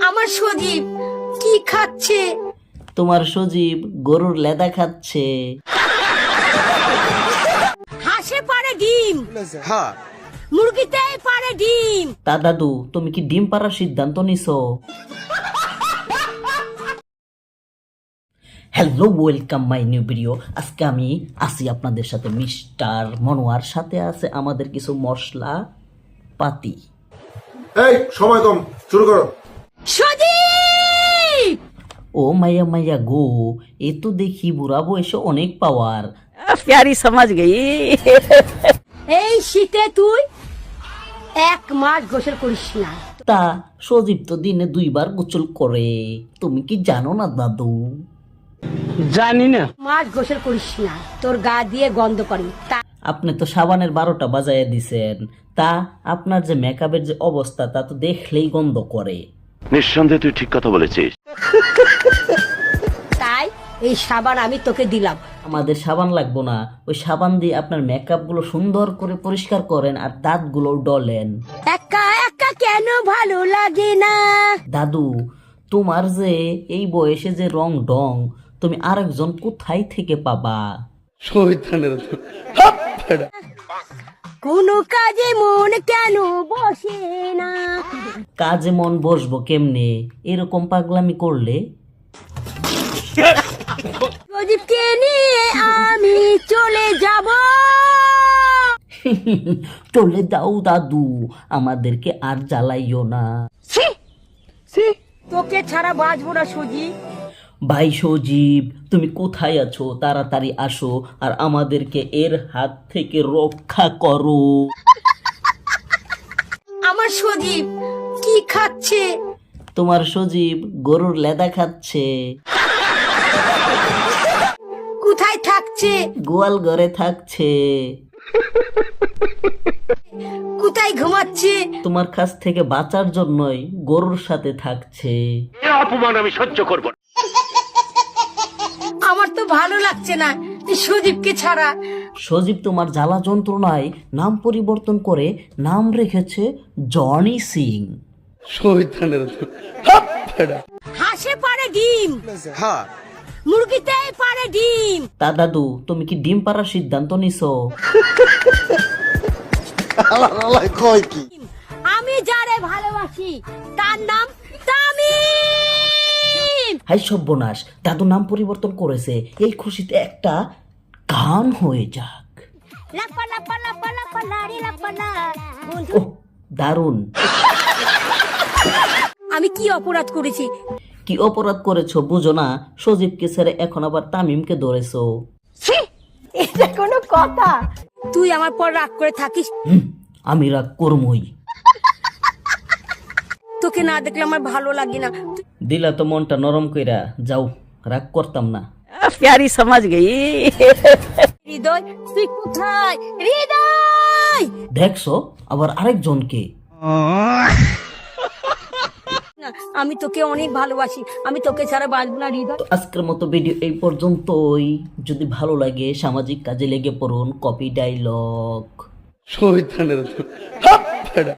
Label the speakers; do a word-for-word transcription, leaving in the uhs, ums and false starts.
Speaker 1: আমার সজীব কি খাচ্ছে?
Speaker 2: তোমার সজীব গরুর লেদা খাচ্ছে।
Speaker 1: হাঁসে পারে ডিম,
Speaker 3: হ্যাঁ
Speaker 1: মুরগিতে পারে ডিম।
Speaker 2: তা দাদু তুমি কি ডিম পাড়ার সিদ্ধান্ত নিছো? Hello, welcome my new video. আজকে আমি আসি আপনাদের সাথে মিস্টার মনোয়ার, সাথে আছে আমাদের কিছু মশলা পাতি।
Speaker 3: এই সময় কম, শুরু করো।
Speaker 1: সজীব
Speaker 2: ও মাইয়া মাইয়া গো, এ তো দেখি বুড়া বয়সে অনেক পাওয়ার।
Speaker 4: प्यारी समझ गई।
Speaker 1: এই শীতে তুই এক মাস গোসল করিস না।
Speaker 2: তা সজীব তো দিনে দুইবার গোসল করে, তুমি কি জানো না দাদু?
Speaker 4: जानी ना
Speaker 1: মাস গোসল করিস না, তোর গা দিয়ে গন্ধ করে। তা
Speaker 2: আপনি তো সাবানের বারোটা বাজাইয়া দিছেন, তা আপনার যে মেকআপের যে অবস্থা তা তো দেখলেই গন্ধ করে।
Speaker 5: নিঃসন্দেহে তুই ঠিক কথা বলেছিস।
Speaker 1: তাই এই সাবান আমি তোকে দিলাম।
Speaker 2: আমাদের সাবান লাগবো না, ওই সাবান দিয়ে আপনার মেকআপ গুলো সুন্দর করে পরিষ্কার করেন আর দাঁত গুলো ডলেন।
Speaker 1: একা একা কেন ভালো লাগে না?
Speaker 2: দাদু তোমার যে এই বয়সে যে রং ডং, তুমি আরেকজন কোথায় থেকে পাবা?
Speaker 1: কোনো কাজে মন কেন বসে না?
Speaker 2: কাজে মন বসবো কেমনে এরকম পাগলামি করলে?
Speaker 1: প্রদীপকে নিয়ে আমি চলে যাব।
Speaker 2: চলে যাও দাদু, আমাদেরকে আর জ্বালাইও না।
Speaker 1: তোকে ছাড়া বাঁচবো না সজীব।
Speaker 2: ভাই সজীব তুমি কোথায় আছো? তাড়াতাড়ি আসো আর আমাদেরকে এর হাত থেকে রক্ষা করো।
Speaker 1: আমার সজীব কি খাচ্ছে?
Speaker 2: তোমার সজীব গরুর লেদা খাচ্ছে।
Speaker 1: কোথায় থাকছে?
Speaker 2: গোয়াল ঘরে থাকছে।
Speaker 1: কোথায় ঘুমাচ্ছে?
Speaker 2: তোমার কাছ থেকে বাঁচার জন্যই গরুর সাথে থাকছে।
Speaker 5: অপমান আমি সহ্য করব না।
Speaker 1: আমার তো ভালো লাগছে না এই সজীবকে ছাড়া।
Speaker 2: সজীব তোমার জ্বালা যন্ত্রণায় নাম পরিবর্তন করে নাম রেখেছে জনি সিং।
Speaker 1: হাঁসে পারে ডিম,
Speaker 3: হ্যাঁ
Speaker 1: মুরগিতে পারে ডিম।
Speaker 2: তা দাদু তুমি কি ডিম পাড়ার সিদ্ধান্ত নিছো?
Speaker 3: কয় কি?
Speaker 1: আমি যারে ভালোবাসি তার নাম তামিম।
Speaker 2: হাই সর্বনাশ, দাদু নাম পরিবর্তন করেছে, এই খুশিতে একটা গান হয়ে যাক।
Speaker 1: লাপা লাপা লাপা লাপা লারি লাপা লা।
Speaker 2: ওহ দারুণ।
Speaker 1: আমি কি অপরাধ করেছি?
Speaker 2: কি অপরাধ করেছো বুঝো না? সজীবকে ছেড়ে এখন আবার তামিমকে ধরেছো।
Speaker 1: এটা কোনো কথা? তুই আমার পর রাগ করে থাকিস।
Speaker 2: হুম, আমি রাগ করমই।
Speaker 1: তোকে না দেখলে আমার ভালো লাগে না।
Speaker 2: দিলা তো মনটা নরম কইরা, যাও রাগ করতাম না।
Speaker 4: प्यारी समझ गई।
Speaker 1: হৃদয় তুই কোথায়? হৃদয়
Speaker 2: দেখছো আবার আরেকজনকে।
Speaker 1: না, আমি তোকে অনেক ভালোবাসি, আমি তোকে ছাড়া বাঁচব না হৃদয়।
Speaker 2: তো আজকের মতো ভিডিও এই পর্যন্তই। যদি ভালো লাগে সামাজিক কাজে লেগে পড়ুন। Copy dialogue.